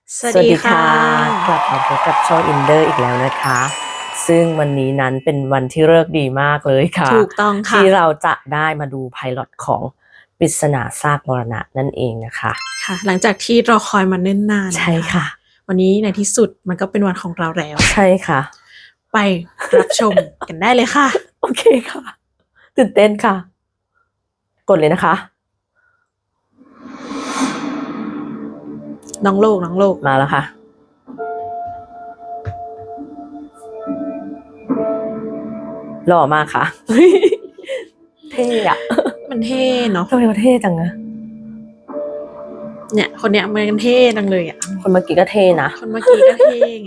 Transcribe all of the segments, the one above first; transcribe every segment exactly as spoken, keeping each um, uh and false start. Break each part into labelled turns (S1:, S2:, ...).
S1: สวัสดีค่ะกลับมาพบกับช่องอินเดอร์อีกแล้วนะคะซึ่งวันนี้นั้นเป็นวันที่ฤกษ์ดีมากเลยค่ะ
S2: ถูกต้องค่ะ
S1: ที่เราจะได้มาดูไพลอตของปริศนาซากมรณะนั่นเองนะคะ
S2: ค่ะหลังจากที่รอคอยมาเนิ่นนาน
S1: ใช่ค่ะ
S2: วันนี้ในที่สุดมันก็เป็นวันของเราแล้ว
S1: ใช่ค่ะ
S2: ไปรับชมกันได้เลยค่ะ
S1: โอเคค่ะตื่นเต้นค่ะกดเลยนะคะ
S2: น้องโลกน้องโลก
S1: มาแล้วค่ะหล่อมากค่ะเท่อะ
S2: มันเท่เนาะ
S1: ทำไมมันเท่จังอะ
S2: เนี่ยคนเนี้ยมันเท่จังเลยอ่ะ
S1: คนเมื่อกี้ก็เท่นะ
S2: คนเมื่อกี้ก็เท่ไง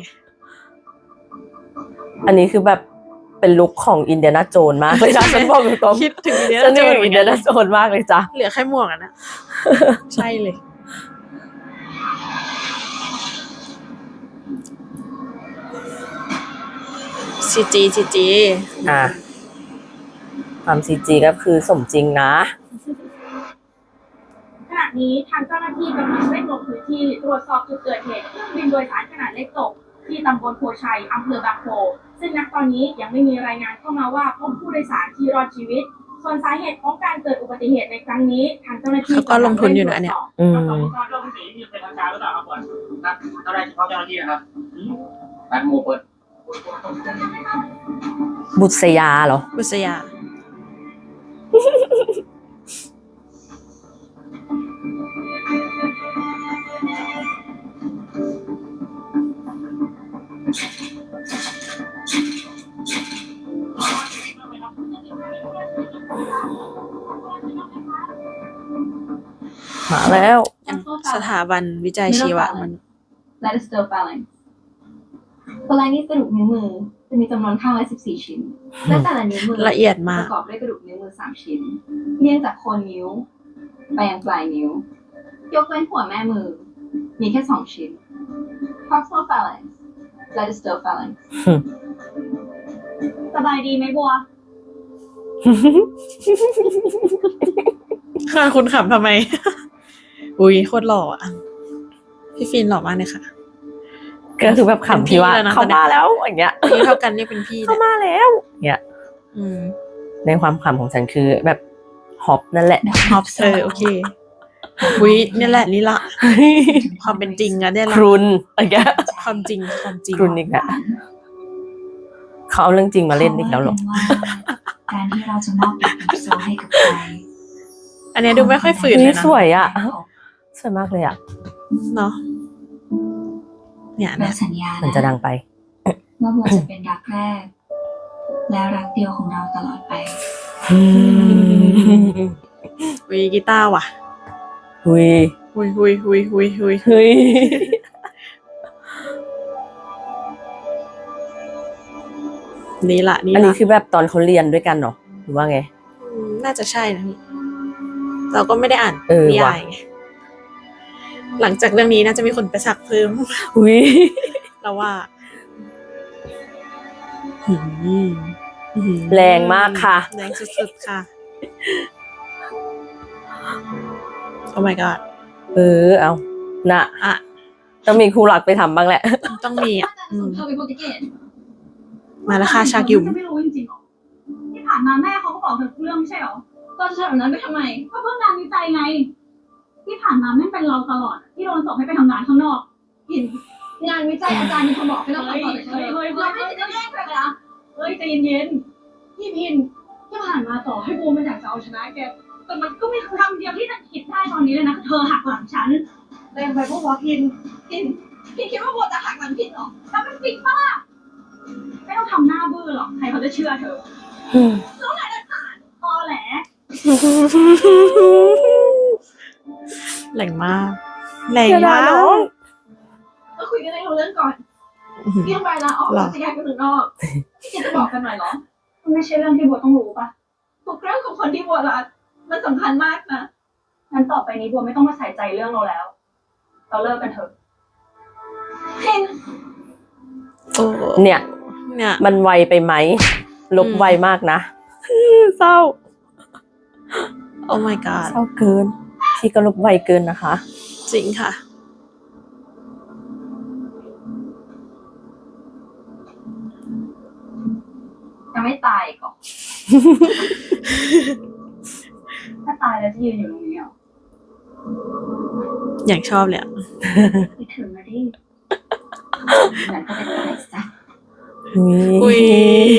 S1: อันนี้คือแบบเป็นลุคของอินเดียนาโจนมากเลยจ้ะฉันบอกตรงๆ
S2: คิดถึงอินเดีย
S1: ฉั
S2: นาน โจ
S1: นึก
S2: น
S1: ถึงอินเดียนาโจนมากเลยจ้ะ
S2: เหลือแค่หมวกอ่ะนะใช่เลยซีจีซีจี
S1: อ่ะความซีจีก็คือสมจริงนะ
S3: ขณะนี้ทางเจ้าหน้าที่กำลังเร่งลงพื้นที่ตรวจสอบจุดเกิดเหตุเครื่องบินโดยสารขนาดเล็กตกที่ตำบลโพชัยอำเภอบางโพซึ่งณตอนนี้ยังไม่มีรายงานเข้ามาว่าพบผู้โดยสารที่รอดชีวิตส่วนสาเหตุของการเกิดอุบัติเหตุในครั้งนี้ทางเจ้าหน้าที่
S2: เขาก็ลงทุนอยู่นะเนี่ย
S1: อืม
S4: การลงสีมีเป็นทางการหรือเปล่าครับผมนะเจ้าหน้าที่เฉพาะเจ้าหน้าที่นะครับแบ็คโมเปิด
S1: บุษยาเหรอ
S2: บุษยา
S1: มาแล้ว
S2: สถาบันวิจัยชีวะมัน
S5: และ still phalanx ตัวลายนี้กระดูกนิ้วมือจะมีจำนวนข้างละสิบสี่ชิ้นและแต่ละนิ้วมือ
S2: ละเอียดมาก
S5: ประกอบด้วยกระดูกนิ้วมือสามชิ้นเรียงจากโคนนิ้วไปยังปลายนิ้วยกเว้นหัวแม่มือมีแค่สองชิ้น proximal phalanx และ distal phalanx
S3: สบายดีไหมบัว
S2: ค่ะคุณขำทำไม อุ้ยโคตรหล่ออ่ะพี่ฟินหล่อมากเลยค่ะ
S1: ก็คือแบบขำที่ว่าเขามาแล้วอย่างเงี้ย
S2: อายุเท่ากันเนี่ยเป็นพี่
S1: เขามาแล้วเงี้ย
S2: อืม
S1: ในความขำของฉันคือแบบฮอปนั่นแหละ
S2: ฮอปเออโอเคอุ้ยนี่แหละนี่ละความเป็นจริงอะเนี่ย
S1: ค
S2: ละ
S1: รุนอะไรเงี้ย
S2: ความจริงความจริง
S1: ครุนอีกแล้วเขาเอาเรื่องจริงมาเล่นอีกแล้วหรอ
S5: การที่เราจะมอบแบบโซ่ให้กับใคร
S2: อันเนี้ยดูไม่ค่อยฝืนเลย
S1: นี่
S2: นะ
S1: สวยอ่ะสวยมากเลยอ่ะ
S2: เนาะเนี่ย
S5: เรา
S2: เนี่ย
S5: สัญญา
S1: มันจะดังไป
S5: ว่าบัวจะเป็นรักแรก และรักเดียวของเราตลอดไป
S2: วีกีตาร์ว่ะ
S1: หุย
S2: หุยหุยหุยหุยหุย
S1: เฮ้ย
S2: นี่ละนี่
S1: อันนี้
S2: ละ
S1: คือแบบตอนเขาเรียนด้วยกันเหรอหรือว่าไง
S2: อืมน่าจะใช่นะพี่เราก็ไม่ได้อ่าน
S1: เออ
S2: นิ
S1: ว่ะ
S2: ยายไงหลังจากเรื่องนี้น่าจะมีคนไปสักเพิ่ม
S1: หุย
S2: เราว่าหืมหืม
S1: แรงมากค่ะ
S2: แรงสุดๆค่ะ โอ้ my god
S1: เออเอาน่ะ
S2: อ่ะ
S1: ต้องมีครูหลักไปทำบ้างแหละ
S2: ต้องมีอ่ะอืม
S5: เธอเป็นโปรตุเกส
S2: มาแล้วค่ะชากิม
S3: จะไม่รู้จริงๆหรอที่ผ่านมาแม่เขาก็บอกเธอทุกเรื่องไม่ใช่หรอ
S5: เราจะทำแบบนั้นไปทำไม
S3: ก็เพื่องานวิจัยไง ที่ผ่านมาแม่งเป็นเราตลอด ที่โดนส่งให้ไปทำงานข้างนอกหิน
S5: งานวิจัยอาจารย์มีคนบอกให้เราทำต่อจากเธอ
S3: เฮ้ยเฮ้ยเฮ้
S5: เรา
S3: ย
S5: ไม่ได้แย่งเลยนะ
S3: เฮ้ยใจเย็นๆพี่พินที่ผ่านมาต่อให้บูมมันอยากจะเอาชนะแก แต่มันก็ไม่ทำเดียวที่จะคิดได้ตอนนี้เลยนะคือเธอหักหลังฉันแรงไปพวกวอพิน
S5: พินพินคิดว่าบัวจะหักหลังพินเหรอ
S3: ถ้ามันจริงปะล่ะไม่ต้องทำหน้าบื้อหรอก ใครเขาจะเชื่อเธอแล้วไหนจะผ่านตอแหล
S2: แรงมากแรง
S1: อย่าด่าม
S2: าก
S1: น้อง
S3: ก็คุยกันให้รู้เรื่องก่อน
S2: อื้อหือ
S3: พี่ต้องไปลาออกแล้วจะย้ายไปเมืองนอกพี่จะบอกกันหน่อยเหรอมันไม่ใช่เรื่องที่บัวต้องรู้ปะทุกเรื่องของคนที่บัวรักมันสำคัญมากนะงั้นต่อไปนี้บัวไม่ต้องมาใส่ใจเรื่องเราแล้ว เราเลิกกันเถอะเห็น
S2: โอ้
S1: เนี่ย
S2: เนี่ย
S1: มันไวไปไหม ลบไวมากนะ เศร้า
S2: โอ้ my god
S1: เศร้าเกิน พี่ก็ลบไวเกินนะคะ
S2: จริงค่ะ
S5: ยังไม่ตายอีก่อน ถ้าตายแล้วจะยืนอยู่ตรงนี้เหรอ
S2: อย่างชอบเลยอะ
S5: คิดถึงนะดิงั้นก็ไปตายซะ
S2: อุ้ย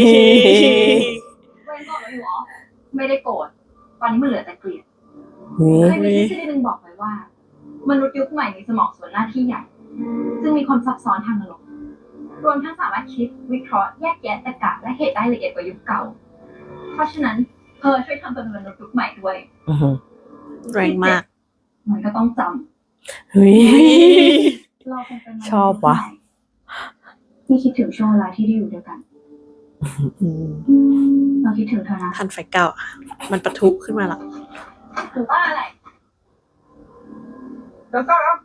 S5: เว้นโกรธแล้วอยู่เหรอไม่ได้โกรธตอนนี้มันเหลือแต่เกลียด
S1: อุ๊ย
S5: เคยมีทฤษฎีหนึ่งบอกไว้ว่า มนุษย์ยุคใหม่มีสมองส่วนหน้าที่ใหญ่ ซึ่งมีความซับซ้อนทางอารมณ์รวมทั้งสามารถคิดวิเคราะห์แยกแยะตรรกะและเหตุได้ละเอียดกว่ายุคเก่า เพราะฉะนั้นเธอช่วยทำเป็นมนุษย์ยุคใหม่ด้วย
S1: อื้อหือ
S2: แรงมาก
S5: มันก็ต้องจ
S1: เฮ้ย
S5: ำเราคงเป็นมนุษย์
S1: ชอบวะ
S5: ยุคใหม่ที่คิดถึงช่วงเวลาที่ได้อยู่ด้วยกัน
S1: อืม
S5: เราคิดถึงเธอนะ
S2: ทันไฟเก่าอะมันปะทุขึ้นมาละ
S5: ถือว่าอะไร
S4: แล้วก็ครับ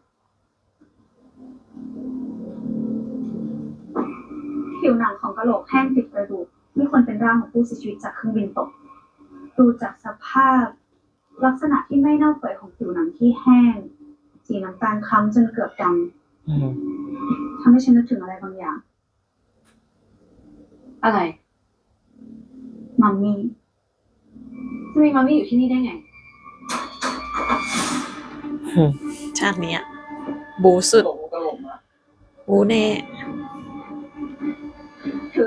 S5: ผิวหนังของกะโหลกแห้งติดกระดูกไม่ควรเป็นร่างของผู้เสียชีวิตจากเครื่องบินตก ดูจากสภาพ ลักษณะที่ไม่เน่าเปื่อยของผิวหนังที่แห้ง สีน้ำตาลคล้ำจนเกือบด
S1: อืม
S5: ำทำให้ฉันนึกถึงอะไรบางอย่าง
S6: อะไร
S5: มัมมี่
S6: จะมีมัมมี่อยู่ที่นี่ได้ไง
S2: ชาติเนี้ยบูสุด
S4: โอ้โหกระโหลกมา
S2: บูแน่
S5: ถือ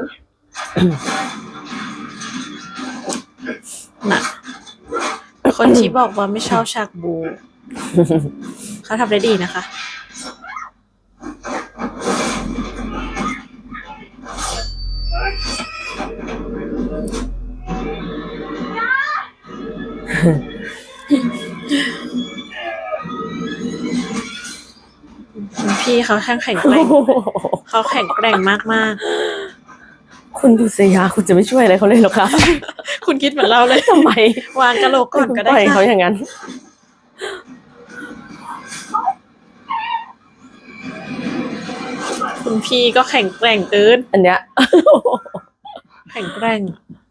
S2: น่ะ คนที่บอกว่าไม่ชอบฉากบู เขาทำได้ดีนะคะ คุณพี่เขาแข็งแข็งแกร่ง เขาแข็งแกร่งมาก
S1: คุณบุษยาคุณจะไม่ช่วยอะไรเขาเลยเหรอคะ
S2: ๆ คุณคิดเหมือนเราเลย
S1: ทำไม
S2: วางกะโหลกก่อนก็ได้
S1: ปล่อยเขา
S2: ค่ะ
S1: อย่างนั้น
S2: คุณพี่ก็แข็งแกร่งเกิน
S1: อันเนี้ย
S2: แข็งแกร่ง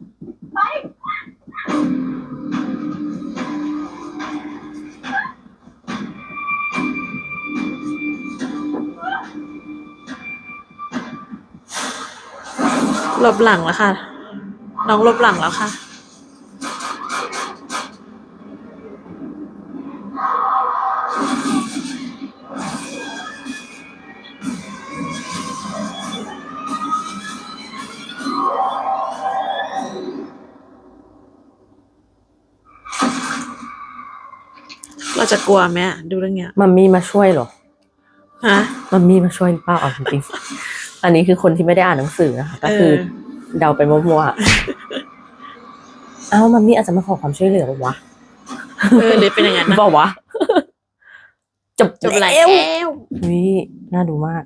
S2: หลบหลังแล้วค่ะ น้องหลบหลังแล้วค่ะ เราจะกลัวไหมอะดูเรื่องเนี้ย
S1: มัมมี่มาช่วยเหรอ
S2: ฮะ
S1: มัมมี่มาช่วยหรือเปล่าเอาจริงๆ อันนี้คือคนที่ไม่ได้อ่านหนังสือนะคะ ก็คือ
S2: เออ
S1: เดาไปมั่วๆ เอ้ามัมมี่อาจจะมาขอความช่วยเหลือปะวะ
S2: เออเลยเป็นอย่างนั้นนะ
S1: บอกวะ จบ
S2: จบแล้
S1: แล้ว
S2: ว
S1: นี่น่าดูมาก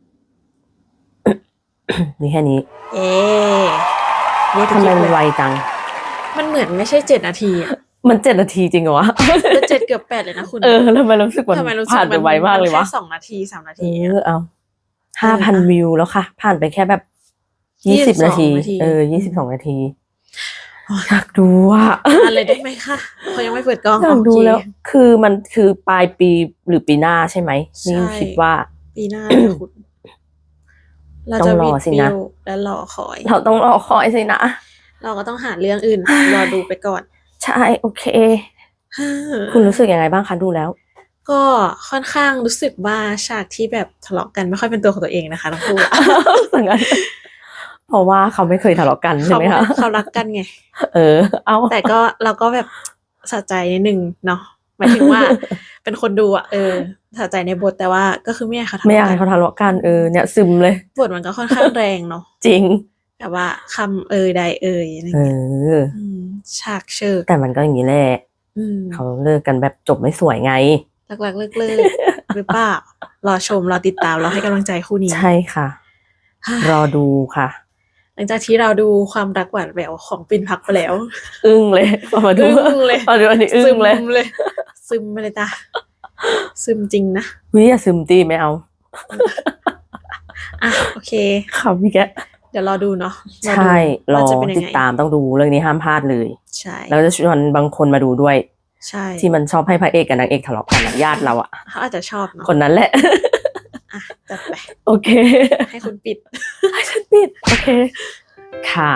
S1: นี่แค่นี้
S2: เอ๊เย้
S1: ทำไมมันไวจัง
S2: มันเหมือนไม่ใช่เจ็ดนาทีอะ
S1: มันเจ็ดนาทีจริงเหรอวะ
S2: แต่เจ็ดเกือบแปดเลยนะคุณ
S1: เออแล้วทำไมรู้สึกมัน
S2: ทำไมรู้สึก
S1: ผ่านไปไวมากเลยวะ
S2: แค่สองนาทีสามนา
S1: เอ
S2: ที
S1: อเอาห้าพัน
S2: เออ
S1: วิวแล้วค่ะ ผ่านไปแค่แบบยี่สิบ
S2: ยี่สิบสอง
S1: นาที
S2: นาที
S1: เออยี่สิบสองนาที อยากดูอ่ะ
S2: อะไรได้ไหมคะเขายังไม่เปิดกล้อง
S1: อยากดู
S2: โอเค
S1: แล้ว คือมันคือปลายปีหรือปีหน้าใช่ไหม
S2: ใช่
S1: นี่คิดว่า
S2: ปีหน้าค่ะคุณเรา
S1: ต้
S2: จะ
S1: องร
S2: วิ
S1: อ
S2: ด
S1: สิ
S2: วิ
S1: นะ
S2: วและรอคอย
S1: เราต้องรอคอยสินะ
S2: เราก็ต้องหาเรื่องอื่น รอดูไปก่อน
S1: ใช่โอเค คุณรู้สึกยังไงบ้างคะดูแล้ว
S2: ก็ค่อนข้างรู้สึกว่าฉากที่แบบทะเลาะกันไม่ค่อยเป็นตัวของตัวเองนะคะทั้งคู่
S1: สังกันเพราะว่าเขาไม่เคยทะเลาะกันใช่
S2: เขา
S1: ไหมคะ
S2: เขารักกันไง
S1: เออ เอา
S2: แต่ก็เราก็แบบสะใจนิดนึงเนาะหมายถึงว่า เป็นคนดูอ่ะเออสะใจในบทแต่ว่าก็คือไม่อยากให้เขาทะ
S1: ไม่อยาก
S2: เลาะ
S1: ให้
S2: กั
S1: เขา
S2: น
S1: ทะเลาะกันเออเนี่ยซึมเลย
S2: บทมันก็ค่อนข้างแรงเนาะ
S1: จริง
S2: แบบว่าคำเอ่ยใดเอ่ยอะไร
S1: เอ
S2: เงี้ย
S1: อ
S2: อืมฉากเชิก
S1: แต่มันก็อย่างนี้แหละ
S2: อืม
S1: เขาเลิกกันแบบจบไม่สวยไง
S2: หลักๆเลิกเลิกหรือเปล่ารอชมรอติดตามรอให้กำลังใจคู่นี้
S1: ใช่ค่ะ รอดูค่ะ
S2: หลังจากที่เราดูความรักหวานแหววของปิ่นพักไปแล้ว
S1: อึ้งเลยพอมาดู
S2: อึ้งเลย
S1: พอดูอันนี้อึ้
S2: ซึ
S1: ง
S2: ม
S1: เลย
S2: เลย ซึมไปเลยจ้ะซึมจริงนะ
S1: วิอย่าซึมตีไม่เอา
S2: อ่ะโอเค
S1: ครับพี่แก
S2: เดี๋ยวรอดูเนาะรอดู
S1: ใช่รอ
S2: ว่าจะเป็นยัง
S1: ติด
S2: ไง
S1: ตามต้องดูเรื่องนี้ห้ามพลาดเลย
S2: ใช่
S1: แล้วจะชวนบางคนมาดูด้วย
S2: ใช่
S1: ที่มันชอบให้พระเอกกับนางเอกทะเลาะกันอะญาติเราอะ
S2: เขาอาจจะชอบเนาะ
S1: คนนั้นแหละ
S2: อ่ะจัดไป
S1: โอเค
S2: ให้คุณปิด
S1: ให้ฉันปิดโอเค ค่ะ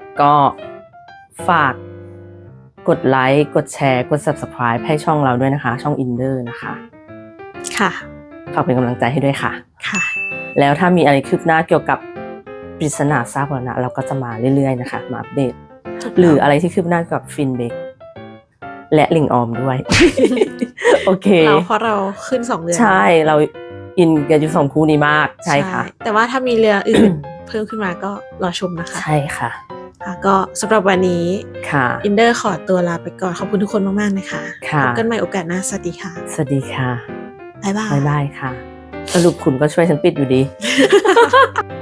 S1: ก็ฝากกดไลค์กดแชร์กด Subscribe ให้ช่องเราด้วยนะคะ ช่อง Inder นะคะ
S2: ค่ะ
S1: ฝากเป็นกำลังใจให้ด้วยค่ะ
S2: ค่ะ
S1: แล้วถ้ามีอะไรคืบหน้าเกี่ยวกับปริศนาซากวรณะเราก็จะมาเรื่อยๆนะคะ มาอัปเดต หรืออะไรที่คืบหน้าเกี่ยวกับฟินเบกและลิงออมด้วย โอเค
S2: เราเพราะเราขึ้นสองเดือน
S1: ใช่เราอินกันอยู่สองคู่นี้มากใช่ค่ะ
S2: แต่ว่าถ้ามีเรืออื่น เพิ่มขึ้นมาก็รอชมนะคะ
S1: ใช่ค่ะ
S2: ค่ะก็สำหรับวันนี้
S1: ค่ะ
S2: อินเดอร์ขอตัวลาไปก่อน ขอบคุณทุกคนมาก ๆ นะคะ
S1: ค่ะ
S2: พบกันใหม่โอกาสหน้า สวัสดีค่ะ
S1: สวัสดีค่ะ
S2: บ๊ายบาย
S1: บ๊ายบายค่ะ สรุปคุณก็ช่วยฉันปิดอยู่ดี